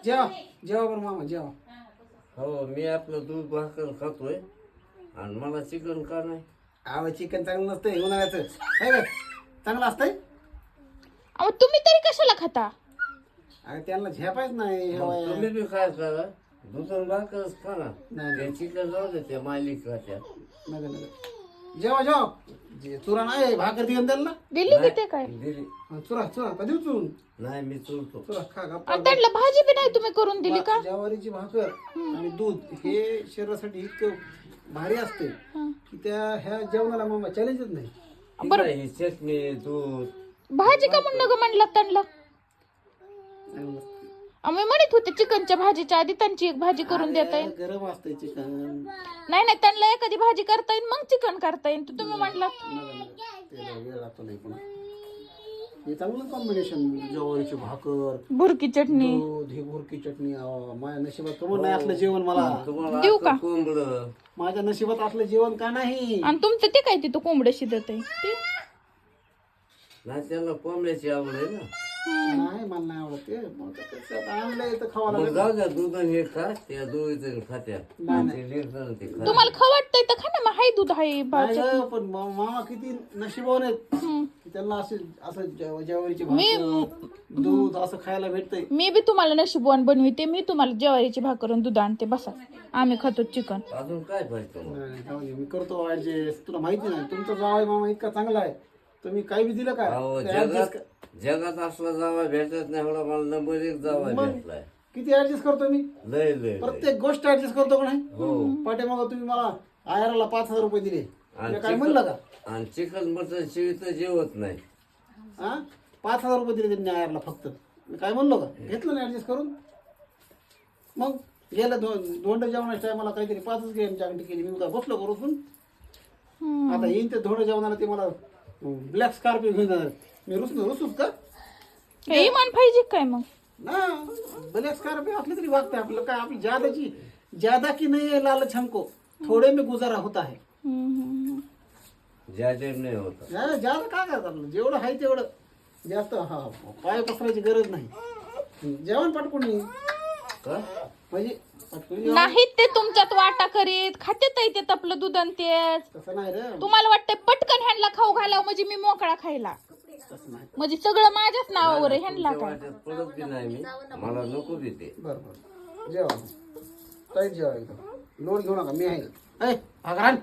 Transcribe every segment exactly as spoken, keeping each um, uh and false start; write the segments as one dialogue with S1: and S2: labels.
S1: जेवा जेवा बरं मामा जेवा.
S2: हो मी आपलं दूध भाकर खातोय आणि मला चिकन का नाही?
S1: अहो चिकन चांगलं नसतंय उन्हाळ्याचं आहे का चांगलं असतंय.
S3: अहो तुम्ही तरी कशाला खाता?
S1: अरे त्यांना झेपायच नाही हे
S2: मग
S1: वय.
S2: तुम्ही बी काय करा दूध आणि भाकरच खा ना.
S1: नाही
S2: ते चिकन जाऊ दे त्या मालिक खात्या.
S1: नका नका जेवा जेवा. जे चुरा नाही भाकर देऊन द्याल ना.
S3: दिली की ते काय?
S2: दिली
S1: हा, चुरा चुरा कधी चुरून
S2: नाही मी चुलतो.
S1: चुरा खा गप्पा.
S3: आणि त्यांना भाजी बी नाही तुम्ही करून दिली का?
S1: ज्वारीची भाकर आणि दूध हे शरीरासाठी इतकं भारी असते की त्या ह्या जेवणाला मामा चॅलेंजच नाही.
S2: ठीक आहे, ही चटणी दूध
S3: भाजी का म्हणलं ग म्हणलं त्यांना?
S1: चांगलं असतं.
S3: आम्ही म्हणत होते चिकनच्या भाजीच्या आधी त्यांची एक भाजी करून देता येईल.
S1: गरम असतंय चिकन.
S3: नाही नाही त्यांना एखादी भाजी करता येईल मग चिकन करता येईल. तर तुम्ही म्हणलात
S1: त्याला वेळ लागतो नाही पुन्हा. हे चांगलं कॉम्बिनेशन ज्वारीची भाकर
S3: भुरकी चटणी
S1: दूध ही भुरकी चटणी. अहो, माझ्या नशिबात कमून नाही असलं जेवण मला.
S2: तुम्हाला
S3: देऊ का?
S2: कोंबड
S1: माझ्या नशिबात असलं जेवण का नाही.
S3: आणि तुमचं ते काय तिथं कोंबडं शिजत आहे ते?
S2: नाही त्यांना कोंबड्याची आवड आहे ना.
S1: नाही मला नाही आवडत ते. मग ते कसं आता आणलंय तर खावा
S2: मग
S1: लागेल.
S2: जाऊ द्या दूध आणि हे खा त्या दोघीचं खात्या. ते लेकरं ते खा.
S3: तुम्हाला खाव वाटतंय तर खा ना मग. हाय दूध हाय
S1: नाही
S3: भाजी.
S1: गं, पण मा- मामा किती नशिबावर आहेत की त्यांना असं असं जेव- ज्वारीची भाकर दूध असं खायला भेटतंय.
S3: मी बी तुम्हाला नशीबवान बनविते. मी तुम्हाला ज्वारीची भाकर आणि दूध आणते. बसा आम्ही खातो चिकन.
S2: अजून काय पाहिजे तुम्हाला?
S1: नाही, जाऊ दे, मी करतो ऍडजस्ट. तुला माहिती नाही तुमचा जावई मामा इतका चांगला आहे. तुम्ही काही बी दिलं का
S2: अहो
S1: ते
S2: जगात
S1: adjust कर-
S2: जगात असला जावा भेटत नाही एवढा मला नंबर एक जावा भेटलाय.
S1: किती ऍडजस्ट करतो मी.
S2: लय लय लय.
S1: प्रत्येक गोष्ट ऍडजस्ट करतो का नाही.
S2: हो
S1: पाठीमागं तुम्ही मला आयराला पाच हजार रुपये दिले.
S2: आणि
S1: मी काय म्हणलं का
S2: चिकन आणि चिकन मटन शिवी तर जेवत नाही.
S1: हा पाच हजार रुपये दिले त्यांनी आयरला फक्त. मी काय म्हणलो का घेतलं ना ऍडजस्ट करून. मग गेलं दोन दोंड जेवणाच्या टायमाला काहीतरी पाचच गेम जागटी केली. मी काय बसलो का रुसून. आता येईन ते धोंड जेवणाला ते मला ब्लॅक स्कॉर्पिओ घेऊन जाणार. मी रुसून रुसूच का
S3: हे इमान पाहिजे काय मग?
S1: ना. ब्लॅक स्कॉर्पिओ असली तरी वागते आपलं काय. आपली ज्यादाची ज्यादा की नाही आहे लालच हमको थोडे में गुजारा होता है.
S3: हम्म, हम्म,
S2: ज्याचे नाही होत.
S1: ज्यादा ज्यादा काय करतात आपलं जेवढं आहे तेवढं जास्त. हा पाय पसरायची गरज नाही. जेवण पटकून ये.
S2: का
S1: म्हणजे पटकून जेवण.
S3: नाहीत ते तुमच्यात वाटा करीत खाते ते तपलं दूध आणि तेच.
S1: तसं नाही रे.
S3: तुम्हाला वाटतंय पटकन ह्यांना खाऊ घालावं म्हणजे मी मोकळा खायला.
S1: तसं नाही.
S3: म्हणजे सगळं माझ्याच नावावर आहे ह्यांना
S2: तुमच्या
S3: काय.
S2: वाट्यात पडत बी नाही मी. मला नको देते.
S1: बरं बरं जेवा ताईत जेवा एकदम. लोड घेऊ नका मी आहे. ऐ भाकरान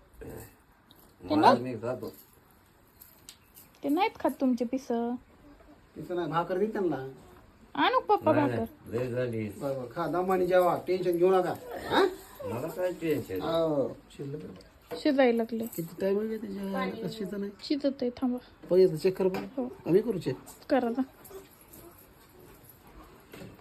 S2: मला मी खातो.
S3: ते नाहीत खात तुमचे पिस.
S1: तिथं नाही भाकर दे त्यांना.
S3: आणू पप्पा
S2: नाही,
S3: भाकर.
S2: नाही, लय झाली.
S1: बरं बरं खा दमाने जेवा टेन्शन घेऊ नका. हा
S2: मला काय टेन्शन.
S1: हो. शिल्लक
S3: शिजायला लागले.
S1: किती टाइम आहे त्याच्या कशीचं नाही.
S3: शिजत आहे थांबा.
S1: पहिले चेक कर बरं. आम्ही करू चेक.
S3: करा ना.